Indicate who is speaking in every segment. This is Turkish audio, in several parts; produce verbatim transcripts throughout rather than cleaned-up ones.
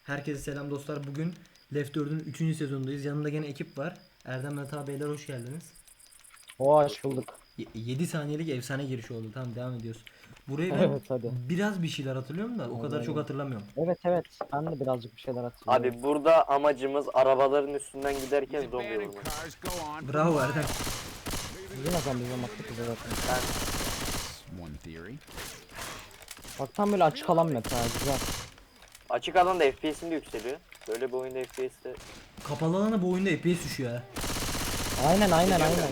Speaker 1: Herkese selam dostlar. Bugün Left dördün üçüncü sezonundayız. Yanımda gene ekip var. Erdem Meta beyler hoş geldiniz.
Speaker 2: Hoş bulduk.
Speaker 1: yedi saniyelik efsane giriş oldu. Tamam devam ediyoruz. Burayı ben
Speaker 2: Evet hadi.
Speaker 1: biraz bir şeyler hatırlıyorum da o kadar çok
Speaker 2: Aynen.
Speaker 1: hatırlamıyorum.
Speaker 2: Evet evet ben de birazcık bir şeyler hatırlıyorum.
Speaker 3: Abi burada amacımız arabaların üstünden giderken zombi vurmak.
Speaker 1: Bravo Erdem.
Speaker 2: Yine zaman bizim attık bize zaten.
Speaker 3: Ben
Speaker 4: One theory.
Speaker 2: Bak tam böyle açık alan meta güzel.
Speaker 3: açık alanda F P S'im de yükseliyor. Böyle bir oyunda F P S'te
Speaker 1: Kapalı alana bu oyunda epey düşüyor ha.
Speaker 2: Aynen aynen aynen.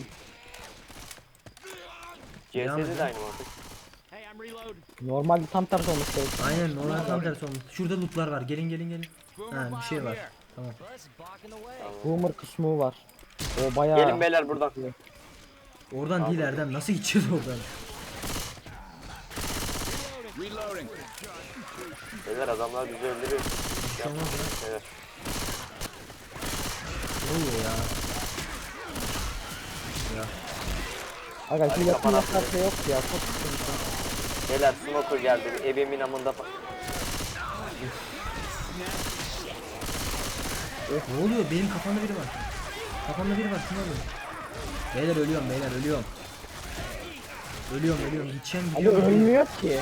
Speaker 3: C
Speaker 1: Devam
Speaker 3: S'de
Speaker 1: edin.
Speaker 3: de aynı mantık.
Speaker 2: Normalde tam tersi olmuş gerekiyor.
Speaker 1: Aynen normal tam tersi olmuş. Şurada lootlar var. Gelin gelin gelin. Ha bir şey var. Tamam.
Speaker 2: Boomer kısmı var. O bayağı.
Speaker 3: Gelin beyler buradan.
Speaker 1: Oradan değil Erdem. Nasıl gideceğiz oradan?
Speaker 4: Reloading.
Speaker 3: Beyler adamlar bizi öldürüyor.
Speaker 1: Bir şey olmaz ya.
Speaker 3: Beyler.
Speaker 1: Ne oluyor ya? Ya.
Speaker 2: Aga şu
Speaker 3: Hadi
Speaker 2: yakın
Speaker 3: kapan
Speaker 2: mesafe yok ya çok sıkıntı.
Speaker 3: Beyler smoker geldi. Ebemin amında fa-
Speaker 1: Ne oluyor? Benim kafamda biri var. Kafamda biri var. Şunu alın. Beyler ölüyorum beyler ölüyorum. Ölüyorum ölüyorum. Gideceğim
Speaker 2: Ali
Speaker 1: gidiyorum.
Speaker 2: ölmüyor ki.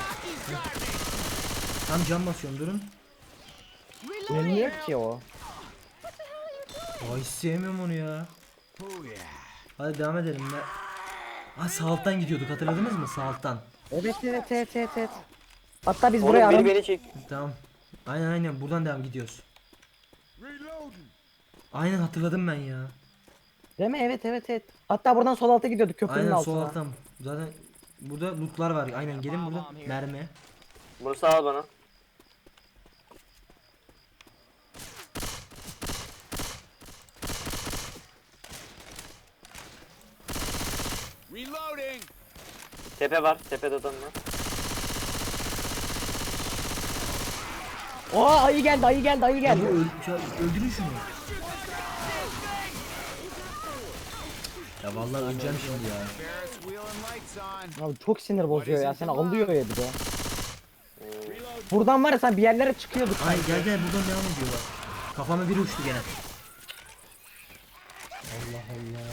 Speaker 1: Tam cam basıyorum durun.
Speaker 2: Ölmüyor ki o.
Speaker 1: Ay hiç sevmiyorum onu ya. Hadi devam edelim. Ben... Ha sağ alttan gidiyorduk hatırladınız mı? Sağ alttan.
Speaker 2: Evet evet evet evet evet. Hatta biz
Speaker 3: Oğlum
Speaker 2: buraya
Speaker 3: biri
Speaker 2: aram.
Speaker 3: beni çek.
Speaker 1: Tamam. Aynen aynen buradan devam gidiyoruz. Aynen hatırladım ben ya.
Speaker 2: Değil mi? Evet evet evet. Hatta buradan sol alta gidiyorduk köprünün
Speaker 1: Aynen
Speaker 2: altına.
Speaker 1: sol alttan. Zaten burada lootlar var. Aynen gelin burada. Mermi.
Speaker 3: Bunu sağ ol bana.
Speaker 4: Reloading.
Speaker 3: Tepe var. Tepede adam var.
Speaker 2: Oo ayı geldi ayı geldi ayı
Speaker 1: Ya bu
Speaker 2: geldi.
Speaker 1: öl ya öldürün şunu. Ya vallahi öleceğim şimdi ya.
Speaker 4: Ferris wheel and lights on.
Speaker 2: Abi çok sinir bozuyor ya seni alıyor ya bir de. Buradan var ya sen bir yerlere çıkıyorduk.
Speaker 1: Ay gel gel buradan devam ediyor bak. Kafama biri uçtu gene. Allah Allah.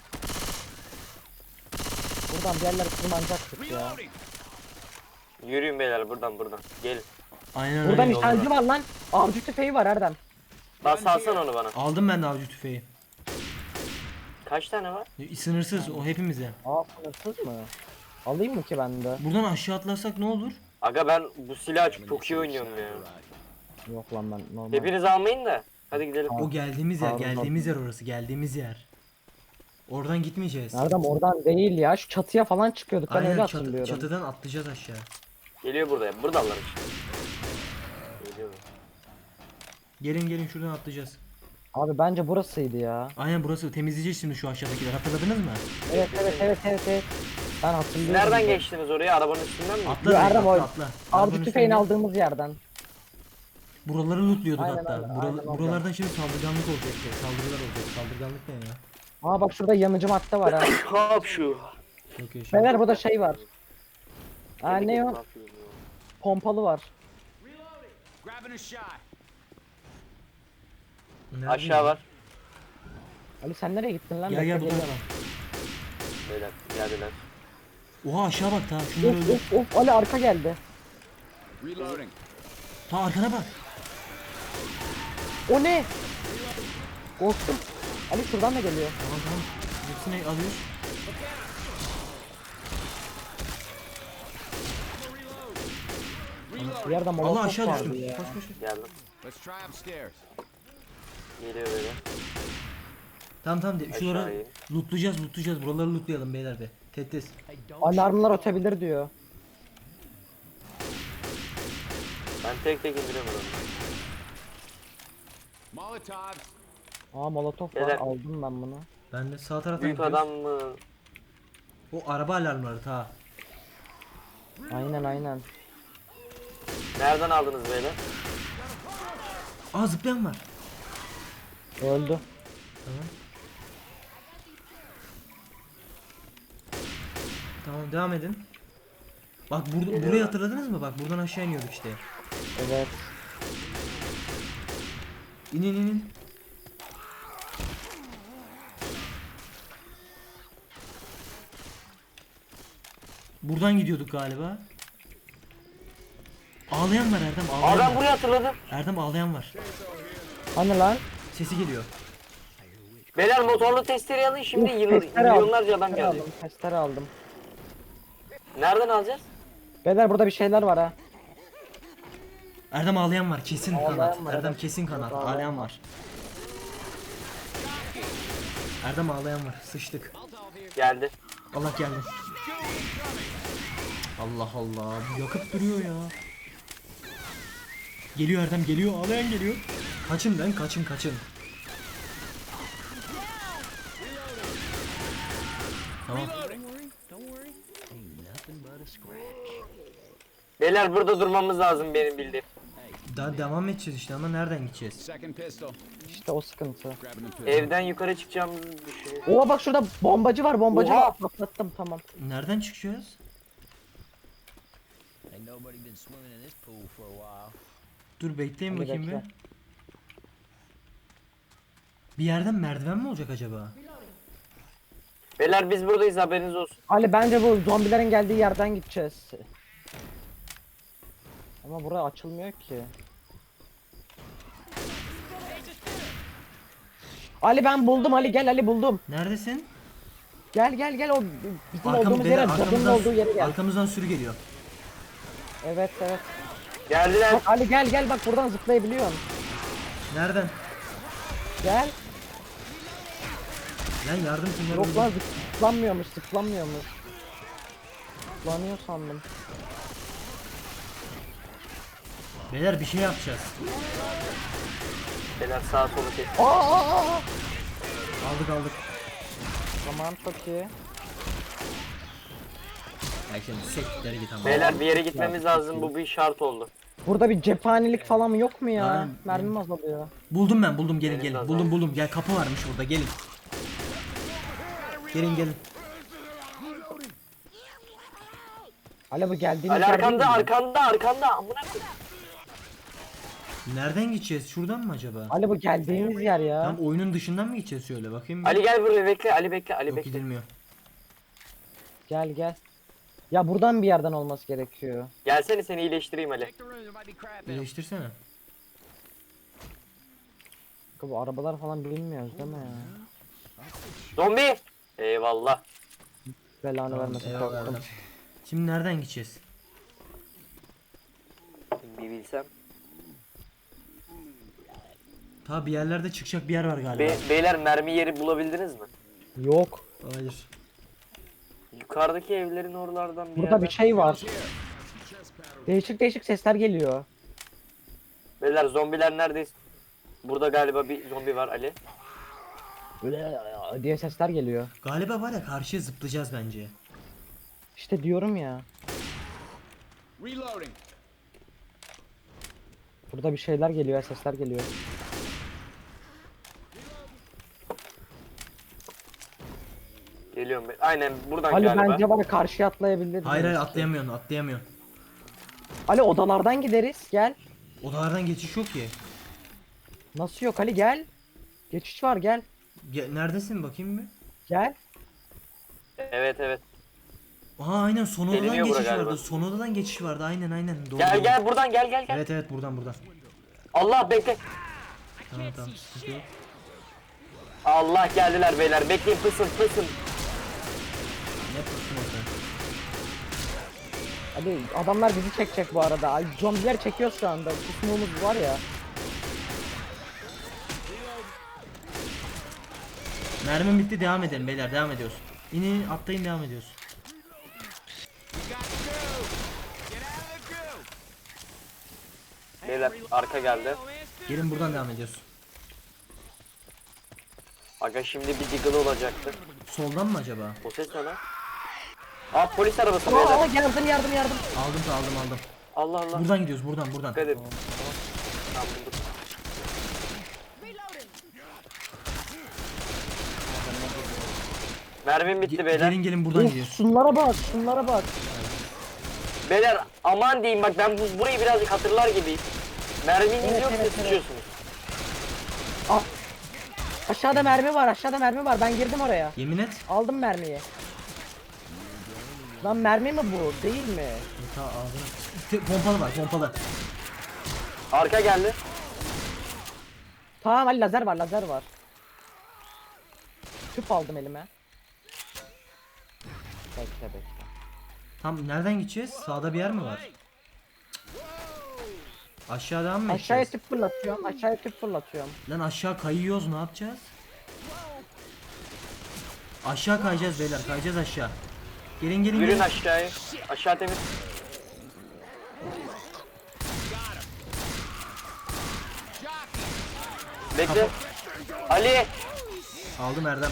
Speaker 2: Buradan bir yerlere tırmanacaktık ya.
Speaker 4: Reloading.
Speaker 3: Yürüyün beyler buradan buradan. Gelin.
Speaker 1: Aynen
Speaker 2: Burada
Speaker 1: öyle.
Speaker 2: nişancı var lan. Avcı tüfeği var Erdem.
Speaker 3: Bas salsana onu bana.
Speaker 1: Aldım ben de avcı tüfeği.
Speaker 3: Kaç tane var?
Speaker 1: Sınırsız o hepimize.
Speaker 2: Aa sınırsız mı? Alayım mı ki ben de?
Speaker 1: Buradan aşağı atlarsak ne olur?
Speaker 3: Aga ben bu silahı çok iyi oynuyorum ya.
Speaker 2: Yok lan ben normal.
Speaker 3: Hepiniz almayın da. Hadi gidelim.
Speaker 1: O geldiğimiz yer,
Speaker 2: Pardon.
Speaker 1: geldiğimiz yer orası, geldiğimiz yer. Oradan gitmeyeceğiz.
Speaker 2: Erdem oradan değil ya. Şu çatıya falan çıkıyorduk. Ben öyle
Speaker 1: Aynen çatı,
Speaker 2: hatırlıyorum.
Speaker 1: çatıdan atlayacağız aşağı.
Speaker 3: Geliyor burada. Buradalar işte. Geliyor.
Speaker 1: Gelin gelin şuradan atlayacağız.
Speaker 2: Abi bence burasıydı ya.
Speaker 1: Aynen burası temizleyeceğiz şimdi şu aşağıdakiler hatırladınız mı?
Speaker 2: Evet evet evet evet evet. Ben hatırlıyorum.
Speaker 3: Nereden geçtiniz oraya? Arabanın üstünden mi?
Speaker 1: Atla
Speaker 2: Yo,
Speaker 1: direkt,
Speaker 2: Erdem
Speaker 1: atla
Speaker 2: o-
Speaker 1: atla.
Speaker 2: Avcı
Speaker 1: Arabanın
Speaker 2: tüfeğini
Speaker 1: üstünden-
Speaker 2: aldığımız yerden.
Speaker 1: Buraları lootluyorduk
Speaker 2: Aynen,
Speaker 1: hatta.
Speaker 2: aynen,
Speaker 1: Bura-
Speaker 2: aynen, aynen.
Speaker 1: buralardan şimdi saldırganlık olacak. ya, Saldırılar olacak. Saldırganlık ne ya?
Speaker 2: Aa bak şurada yanıcı madde var ha.
Speaker 3: Hop şu.
Speaker 1: Çok yaşa.
Speaker 2: Beyler burada şey var. Aa ne o?
Speaker 3: yapıyorsun ya?
Speaker 2: Pompalı var.
Speaker 4: Grabbing a shot.
Speaker 1: Nerede
Speaker 3: Aşağı
Speaker 1: ya?
Speaker 3: var.
Speaker 2: Ali sen nereye gittin lan?
Speaker 1: Gel gel
Speaker 2: Bekle,
Speaker 1: bu
Speaker 2: geliyorum.
Speaker 1: tarafa.
Speaker 3: Beyler geldiler.
Speaker 1: Oha aşağı bak ta. Şunları
Speaker 2: Of
Speaker 1: öldür.
Speaker 2: of of Ali arka geldi.
Speaker 4: Reloading.
Speaker 1: Ta arkana bak.
Speaker 2: O ne? Korktum. Ali şuradan da geliyor.
Speaker 1: Tamam tamam. Hepsini alıyoruz.
Speaker 2: Bir yerde
Speaker 1: Allah
Speaker 2: molotof
Speaker 1: aşağı
Speaker 2: vardı
Speaker 1: düştüm.
Speaker 2: ya.
Speaker 1: Koş koş. koş.
Speaker 3: Geldim.
Speaker 4: Let's try upstairs.
Speaker 3: Geliyor böyle.
Speaker 1: Tamam tamam de. Şuraları
Speaker 3: Aşağıya.
Speaker 1: lootlayacağız lootlayacağız. Buraları lootlayalım beyler be. Tetis.
Speaker 2: Alarmlar ötebilir diyor.
Speaker 3: Ben tek tek indiriyorum adamı.
Speaker 4: Molotov.
Speaker 2: Aa molotof var
Speaker 3: Beyler.
Speaker 2: aldım ben bunu.
Speaker 1: Ben de sağ taraftan
Speaker 3: Büyük
Speaker 1: gidiyoruz.
Speaker 3: adam mı?
Speaker 1: O araba alarmları ta.
Speaker 2: Aynen aynen.
Speaker 3: Nereden aldınız beyler?
Speaker 1: Aa zıplayan var.
Speaker 2: Öldü.
Speaker 1: Tamam. Tamam devam edin. Bak burada burayı hatırladınız mı? Bak buradan aşağı iniyorduk işte.
Speaker 2: Evet.
Speaker 1: İn in in, in. Buradan gidiyorduk galiba. Ağlayan var Erdem, ağlayan
Speaker 3: Aa ben
Speaker 1: var.
Speaker 3: burayı hatırladım.
Speaker 1: Erdem ağlayan var.
Speaker 2: Hani lan?
Speaker 1: Sesi geliyor.
Speaker 3: Beyler motorlu testereyi alın şimdi
Speaker 2: Uf,
Speaker 3: yıl,
Speaker 2: testere aldım,
Speaker 3: milyonlarca adam
Speaker 2: testere
Speaker 3: gelecek.
Speaker 2: aldım, testere aldım.
Speaker 3: Nereden alacağız?
Speaker 2: Beyler burada bir şeyler var ha.
Speaker 1: Erdem ağlayan var, kesin
Speaker 2: Ağlayan
Speaker 1: kanat.
Speaker 2: var,
Speaker 1: Erdem
Speaker 2: evet.
Speaker 1: kesin kanat.
Speaker 2: Ağlayan
Speaker 1: Ağlayan var. Erdem ağlayan var. Sıçtık.
Speaker 3: Geldi.
Speaker 1: Allah geldi. Allah Allah. Bu yakıp duruyor ya. Geliyor Erdem, geliyor. Ağlayan geliyor. Kaçın lan, kaçın kaçın. Tamam.
Speaker 3: Beyler burada durmamız lazım benim bildiğim.
Speaker 1: Daha devam edeceğiz işte ama nereden gideceğiz?
Speaker 4: Second pistol.
Speaker 2: İşte o sıkıntı.
Speaker 4: Grabbing the pistol.
Speaker 3: Evden yukarı çıkacağımızı düşünüyorum.
Speaker 2: Oha bak şurada bombacı var, bombacı
Speaker 3: Oha!
Speaker 2: var. Patlattım, tamam.
Speaker 1: Nereden çıkacağız?
Speaker 5: Ain't nobody been swimming in this pool for a while.
Speaker 1: Dur bekleyin
Speaker 2: Hadi
Speaker 1: bakayım
Speaker 2: bekle.
Speaker 1: bir. Bir yerden merdiven mi olacak acaba?
Speaker 3: Beyler biz buradayız haberiniz olsun.
Speaker 2: Ali bence bu zombilerin geldiği yerden gideceğiz. Ama burası açılmıyor ki. Ali ben buldum, Ali gel, Ali buldum.
Speaker 1: Neredesin?
Speaker 2: Gel gel gel, o bizim
Speaker 1: Arkam,
Speaker 2: olduğumuz
Speaker 1: beyler,
Speaker 2: yere, cadının
Speaker 1: arkamızdan,
Speaker 2: olduğu yere gel.
Speaker 1: arkamızdan sürü geliyor.
Speaker 2: Evet evet.
Speaker 3: Geldiler.
Speaker 2: Bak Ali gel gel, bak buradan zıplayabiliyorsun.
Speaker 1: Nereden?
Speaker 2: Gel.
Speaker 1: Lan yardım kimler
Speaker 2: Yok
Speaker 1: oldu?
Speaker 2: lan, zıplanmıyormuş, zıplanmıyormuş. Zıplanıyor sandım.
Speaker 1: Beyler bir şey yapacağız.
Speaker 3: Beyler sağa sola kes.
Speaker 2: Aa, aa, aa.
Speaker 1: Aldık aldık.
Speaker 2: Tamam çok iyi.
Speaker 1: Ya şimdi sekleri git ama.
Speaker 3: Beyler bir yere gitmemiz lazım. Bu bir şart oldu.
Speaker 2: Burada bir cephanelik falan yok mu ya?
Speaker 1: Aynen.
Speaker 2: Mermim azalıyor.
Speaker 1: Buldum ben, buldum, gelin
Speaker 3: Benim de
Speaker 1: gelin.
Speaker 3: azaldı.
Speaker 1: Buldum buldum. Gel, kapı varmış burada, gelin. Gelin gelin.
Speaker 2: Ali bu geldiğimiz
Speaker 3: Ali
Speaker 2: yer değil
Speaker 3: arkanda
Speaker 2: mi?
Speaker 3: arkanda arkanda. Amına koyayım.
Speaker 1: Nereden gideceğiz? Şuradan mı acaba?
Speaker 2: Ali bu geldiğimiz yer ya.
Speaker 1: Tam oyunun dışından mı gideceğiz şöyle bakayım. bir.
Speaker 3: Ali gel buraya bekle. Ali bekle. Ali
Speaker 1: Yok
Speaker 3: bekle.
Speaker 1: gidilmiyor.
Speaker 2: Gel gel. Ya buradan bir yerden olması gerekiyor.
Speaker 3: Gelsene seni iyileştireyim Ali.
Speaker 4: Check the room, there might be crap in 'em.
Speaker 1: Birleştirsene.
Speaker 2: Bu arabalar falan bilmiyoruz değil mi ya?
Speaker 3: Zombi. Eyvallah.
Speaker 2: Belanı vermesin,
Speaker 1: Eyvallah
Speaker 2: korktum.
Speaker 1: Erdem. Şimdi nereden gideceğiz?
Speaker 3: Bir bilsem.
Speaker 1: Ta bir yerlerde çıkacak bir yer var galiba.
Speaker 3: Be- beyler mermi yeri bulabildiniz mi?
Speaker 2: Yok.
Speaker 1: Hayır.
Speaker 3: Yukarıdaki evlerin oralardan bir
Speaker 2: Burada
Speaker 3: yerden.
Speaker 2: bir şey var. Değişik değişik sesler geliyor.
Speaker 3: Beyler zombiler neredeyiz? Burada galiba bir zombi var Ali.
Speaker 2: Böyle diye sesler geliyor.
Speaker 1: Galiba var ya, karşıya zıplayacağız bence.
Speaker 2: İşte diyorum ya.
Speaker 4: Reloading.
Speaker 2: Burada bir şeyler geliyor, sesler geliyor.
Speaker 3: Geliyorum ben. Aynen buradan
Speaker 2: Ali
Speaker 3: galiba.
Speaker 2: bence var ya, karşıya atlayabiliriz.
Speaker 1: Hayır hayır, atlayamıyorsun atlayamıyorsun.
Speaker 2: Ali odalardan gideriz, gel.
Speaker 1: Odalardan geçiş yok ki.
Speaker 2: Nasıl yok Ali, gel. Geçiş var, gel.
Speaker 1: Ge- Neredesin bakayım bir.
Speaker 2: Gel.
Speaker 3: Evet evet.
Speaker 1: Aa aynen, son odadan
Speaker 3: Geliniyor bura
Speaker 1: geçiş
Speaker 3: galiba.
Speaker 1: vardı. Son odadan geçiş vardı, aynen aynen. Doğru,
Speaker 3: Gel
Speaker 1: doğru.
Speaker 3: gel buradan gel gel gel.
Speaker 1: Evet evet, buradan buradan.
Speaker 3: Allah bekle.
Speaker 1: Tamam tamam, sıkıntı yok.
Speaker 3: Allah geldiler beyler. Bekleyin pısın pısın.
Speaker 1: Ne yapıyorsun orada?
Speaker 2: Ali adamlar bizi çekecek bu arada. Ay zombiler çekiyor şu anda. Kusmumuz var ya.
Speaker 1: Mermim bitti, devam edelim beyler, devam ediyoruz. İnin, atlayın, devam ediyoruz.
Speaker 4: Got the goo. Get out of the goo.
Speaker 3: Beyler arka geldi.
Speaker 1: Gelin buradan devam ediyoruz.
Speaker 3: Aga şimdi bir diggle olacaktı.
Speaker 1: Soldan mı acaba?
Speaker 3: O ses ne lan? Aa polis arabası
Speaker 2: Aa
Speaker 3: beyler.
Speaker 2: yardım yardım yardım.
Speaker 1: Aldım aldım aldım.
Speaker 3: Allah Allah.
Speaker 1: Buradan gidiyoruz, buradan buradan.
Speaker 3: Dikkat edin. Tamam bulduk. Mermim bitti
Speaker 1: Ge-
Speaker 3: beyler.
Speaker 1: Gelin gelin, buradan
Speaker 2: Of,
Speaker 1: gidiyoruz.
Speaker 2: şunlara bak, şunlara bak.
Speaker 3: Beyler aman diyeyim bak ben bu, burayı birazcık hatırlar gibiyim. Merminiz
Speaker 2: Evet,
Speaker 3: yoksa
Speaker 2: evet, evet.
Speaker 3: sıçıyorsunuz.
Speaker 2: Aşağıda mermi var, aşağıda mermi var. Ben girdim oraya.
Speaker 1: Yemin et.
Speaker 2: Aldım mermiyi. Lan mermi mi bu? Değil mi?
Speaker 1: Ta ağzına. Te- Pompalı var pompalı.
Speaker 3: Arka geldi.
Speaker 2: Tamam Ali, lazer var, lazer var. Tüp aldım elime. Bekle bekle.
Speaker 1: Tam nereden gideceğiz? Sağda bir yer mi var? Aşağıdan mı
Speaker 2: Aşağıya
Speaker 1: gideceğiz?
Speaker 2: tüp fırlatıyorum, aşağıya tüp fırlatıyorum.
Speaker 1: Lan aşağı kayıyoruz ne yapacağız? Aşağı kayacağız beyler kayacağız aşağı. Gelin gelin
Speaker 3: Yürüyün
Speaker 1: gelin.
Speaker 3: aşağıya. Aşağı temiz. Bekle. Ali.
Speaker 1: Aldım Erdem.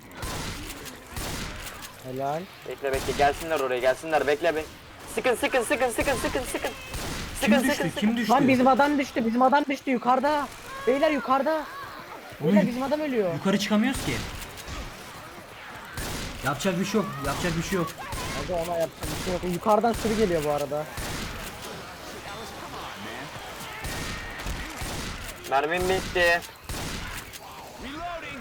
Speaker 2: Helal.
Speaker 3: Bekle bekle gelsinler oraya gelsinler bekle be. Sıkın sıkın sıkın sıkın sıkın sıkın.
Speaker 1: Kim
Speaker 3: Sıkın sıkın
Speaker 1: düştü?
Speaker 3: sıkın.
Speaker 1: Kim düştü?
Speaker 2: Lan bizim adam düştü, bizim adam düştü yukarıda. Beyler yukarıda. Beyler
Speaker 1: Oğlum,
Speaker 2: bizim adam ölüyor.
Speaker 1: yukarı çıkamıyoruz ki. Yapacak bir şey yok. Yapacak bir şey yok.
Speaker 2: Hadi ona yapacak bir şey yok. Yukarıdan sürü geliyor bu arada.
Speaker 3: Mermim bitti.
Speaker 4: Reloading.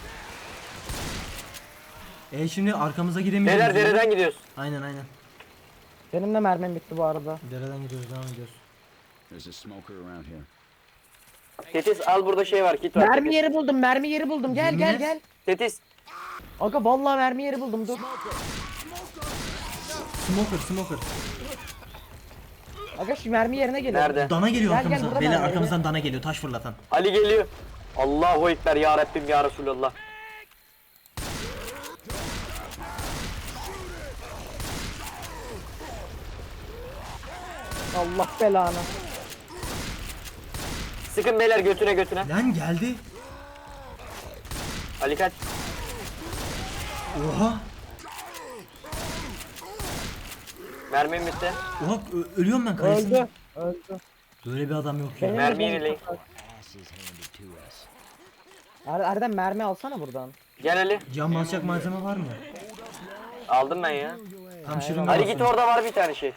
Speaker 1: E şimdi arkamıza giremiyoruz.
Speaker 3: Beyler
Speaker 1: ya.
Speaker 3: dereden gidiyoruz.
Speaker 1: Aynen aynen.
Speaker 2: Benim de mermim bitti bu arada.
Speaker 1: Dereden gidiyoruz devam ediyoruz.
Speaker 5: There's a smoker around here.
Speaker 3: Tetis al burada şey var kit var.
Speaker 2: Mermi
Speaker 3: Tetis.
Speaker 2: yeri buldum, mermi yeri buldum. Gel gel
Speaker 1: Yemin et.
Speaker 2: gel.
Speaker 3: Tetis.
Speaker 2: Aga vallahi mermi yeri buldum, dur.
Speaker 1: Smoker smoker.
Speaker 2: Aga şu mermi yerine geliyor.
Speaker 3: Nerede?
Speaker 1: Dana geliyor
Speaker 2: Gel, gel,
Speaker 1: arkamıza.
Speaker 2: burada
Speaker 1: Beyler
Speaker 2: ben,
Speaker 1: arkamızdan dana geliyor taş fırlatan.
Speaker 3: Ali geliyor. Allahu Ekber ya Rabbim ya Resulallah.
Speaker 2: Allah belanı.
Speaker 3: Sıkın beyler götüne götüne.
Speaker 1: Lan geldi.
Speaker 3: Ali kaç.
Speaker 1: Oha.
Speaker 3: Mermim bitti.
Speaker 1: Oha ö- ölüyorum ben kayısın.
Speaker 2: Öldü. Öldü.
Speaker 1: Böyle bir adam yok ya.
Speaker 2: Benim
Speaker 3: Mermi
Speaker 2: de
Speaker 3: yenileyin.
Speaker 2: canım
Speaker 5: Ass is handed to us.
Speaker 2: çok az. Er- Erdem mermi alsana buradan.
Speaker 3: Gel Ali.
Speaker 1: Cam basacak malzeme var mı?
Speaker 3: Aldım ben ya.
Speaker 1: Tam şırınga
Speaker 3: Ali
Speaker 1: basın.
Speaker 3: git orada var bir tane şey.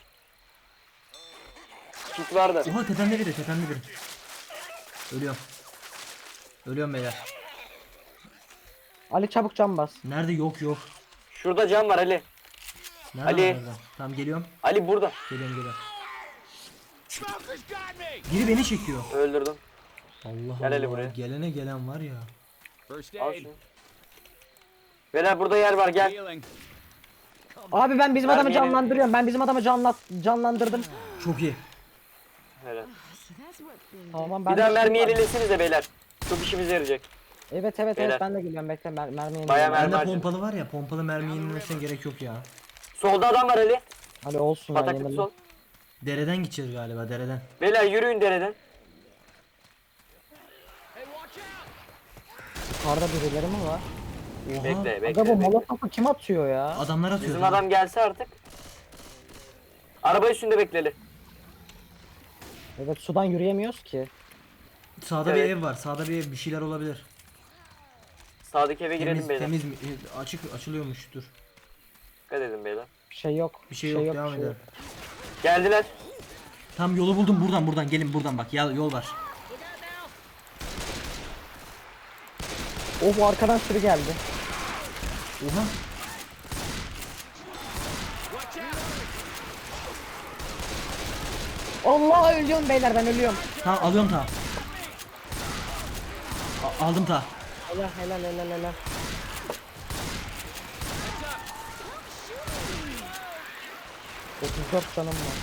Speaker 3: Kit vardı.
Speaker 1: Oha tepemde biri tepemde biri. Ölüyorum. Ölüyorum beyler.
Speaker 2: Ali çabuk cam bas.
Speaker 1: Nerede yok yok.
Speaker 3: Şurada cam var Ali.
Speaker 1: Nerede
Speaker 3: Ali.
Speaker 1: var nerede? Tamam geliyorum.
Speaker 3: Ali burada.
Speaker 1: Geliyorum geliyorum.
Speaker 4: Smoker's got me.
Speaker 1: Biri beni çekiyor.
Speaker 3: Öldürdüm.
Speaker 1: Allah
Speaker 3: Gel Ali
Speaker 1: Allah.
Speaker 3: buraya.
Speaker 1: Gelene gelen var ya.
Speaker 4: First
Speaker 3: Al
Speaker 4: aid.
Speaker 3: şunu. Beyler burada yer var gel.
Speaker 4: Healing.
Speaker 2: Abi ben bizim adamı
Speaker 3: Mermi yeri-
Speaker 2: canlandırıyorum. Ben bizim adamı canlat canlandırdım.
Speaker 1: Çok iyi.
Speaker 3: Helal.
Speaker 2: Tamam ben
Speaker 3: Bir daha
Speaker 2: de-
Speaker 3: mermi yenilesiniz de beyler. Çok işimize yarayacak.
Speaker 2: Evet evet
Speaker 3: Beyler.
Speaker 2: evet ben de geliyorum, bekle mer mermi yenileyim.
Speaker 3: Bayağı mermi
Speaker 1: Bende
Speaker 3: harcadım.
Speaker 1: pompalı var ya. Pompalı mermi yenilmesine gerek yok ya.
Speaker 3: Solda adam var Ali.
Speaker 2: Ali olsun ya,
Speaker 3: Pataklık
Speaker 2: yenile.
Speaker 3: sol.
Speaker 1: Dereden gideceğiz galiba dereden.
Speaker 3: Beyler yürüyün dereden.
Speaker 2: Yukarıda birileri mi var?
Speaker 1: Oha.
Speaker 3: Bekle bekle.
Speaker 2: Aga bu
Speaker 3: bekle.
Speaker 2: molotofu kim atıyor ya?
Speaker 1: Adamlar atıyor.
Speaker 3: Bizim adam gelse artık. Araba üstünde bekleli.
Speaker 2: Evet sudan yürüyemiyoruz ki.
Speaker 1: Sağda
Speaker 3: Evet.
Speaker 1: bir ev var. Sağda bir ev bir şeyler olabilir.
Speaker 3: Sağdaki eve girelim
Speaker 1: Temiz,
Speaker 3: beyler.
Speaker 1: temiz mi? E, Açık açılıyormuş dur.
Speaker 3: Dikkat edin beyler.
Speaker 2: Bir şey yok.
Speaker 1: Bir şey yok, devam
Speaker 2: bir şey
Speaker 1: edelim.
Speaker 3: Geldiler.
Speaker 1: Tam yolu buldum buradan buradan gelin buradan bak ya, yol var.
Speaker 2: Oh arkadan sürü geldi.
Speaker 1: Oha.
Speaker 2: Allah ölüyorum beyler, ben ölüyorum.
Speaker 1: Tamam alıyorum ta. A- aldım ta.
Speaker 2: Helal helal helal helal. otuz dört canım var.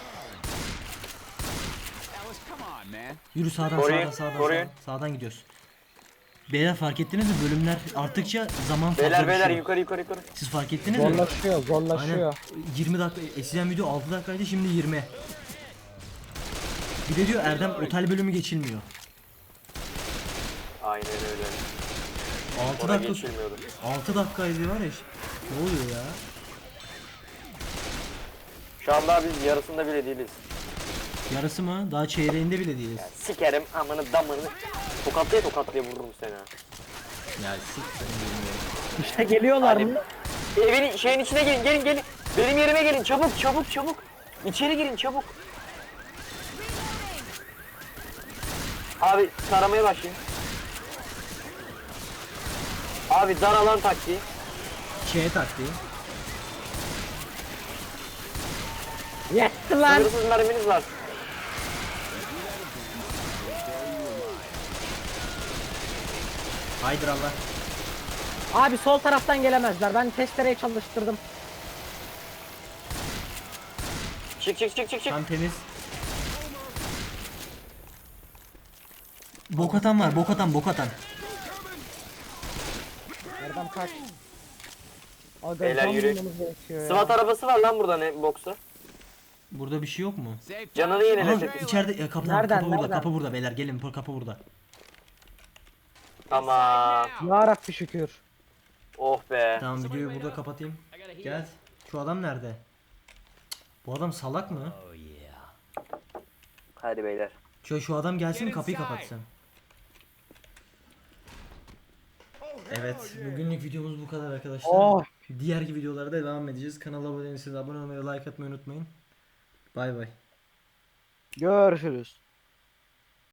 Speaker 4: Alice, come on, man.
Speaker 1: Yürü sağdan
Speaker 3: Koruyun,
Speaker 1: sağdan sağdan,
Speaker 3: koruyun.
Speaker 1: sağdan sağdan gidiyoruz. Beyler fark ettiniz mi bölümler arttıkça zaman fazla
Speaker 3: Beyler beyler
Speaker 1: düşüyor.
Speaker 3: yukarı yukarı yukarı.
Speaker 1: Siz fark ettiniz mi?
Speaker 2: Zorlaşıyor
Speaker 1: Aynen.
Speaker 2: zorlaşıyor.
Speaker 1: yirmi dakika eskiden video altı dakikaydı şimdi yirmi. Bir de diyor Erdem otel bölümü geçilmiyor.
Speaker 3: Aynen öyle.
Speaker 1: altı
Speaker 3: Ona
Speaker 1: dakika
Speaker 3: geçilmiyordu.
Speaker 1: altı dakikaydı var ya. Ne oluyor ya?
Speaker 3: Şu an daha biz yarısında bile değiliz.
Speaker 1: Yarısı mı? Daha çeyreğinde bile değiliz.
Speaker 3: Sikerim amını damını. Tokatlaya tokatlaya vururum seni ha.
Speaker 1: Ya siktir bilmiyorum.
Speaker 2: İşte geliyorlar
Speaker 3: Hadi.
Speaker 2: mı?
Speaker 3: Evin şeyin içine gelin gelin gelin. Benim yerime gelin çabuk çabuk çabuk. İçeri girin çabuk. Abi taramaya başlayın. Abi dar alan taktiği.
Speaker 1: Şeye taktiği.
Speaker 2: Yetti lan.
Speaker 3: Sınırsız merminiz var.
Speaker 1: Haydır Allah.
Speaker 2: Abi sol taraftan gelemezler. Ben testereyi çalıştırdım.
Speaker 3: Çık çık çık çık çık.
Speaker 1: Tam temiz. Bok atan var, bok atan, bok atan.
Speaker 2: Erdem kaç. Aga,
Speaker 3: Beyler
Speaker 2: can
Speaker 3: yürü.
Speaker 2: bulmamız gerekiyor ya.
Speaker 3: SWAT arabası var lan burada ne boksu.
Speaker 1: Burada bir şey yok mu?
Speaker 4: Safe
Speaker 3: Canını
Speaker 1: Aha,
Speaker 3: yenilesin.
Speaker 1: içeride ya, kapı,
Speaker 2: Nereden,
Speaker 1: kapı burada,
Speaker 2: nereden?
Speaker 1: kapı burada beyler gelin, bu kapı burada.
Speaker 3: Tamam.
Speaker 2: Ya Rabbi şükür.
Speaker 3: Oh be.
Speaker 1: Tamam videoyu burada kapatayım. Gel. Şu adam nerede? Cık, bu adam salak mı?
Speaker 3: Hadi beyler.
Speaker 1: Şu, şu adam gelsin kapıyı kapatsın. Evet, bugünlük videomuz bu kadar arkadaşlar.
Speaker 2: Oh.
Speaker 1: Diğer videolarda devam edeceğiz. Kanala abone değilseniz abone olmayı, like atmayı unutmayın. Bay bay.
Speaker 2: Görüşürüz.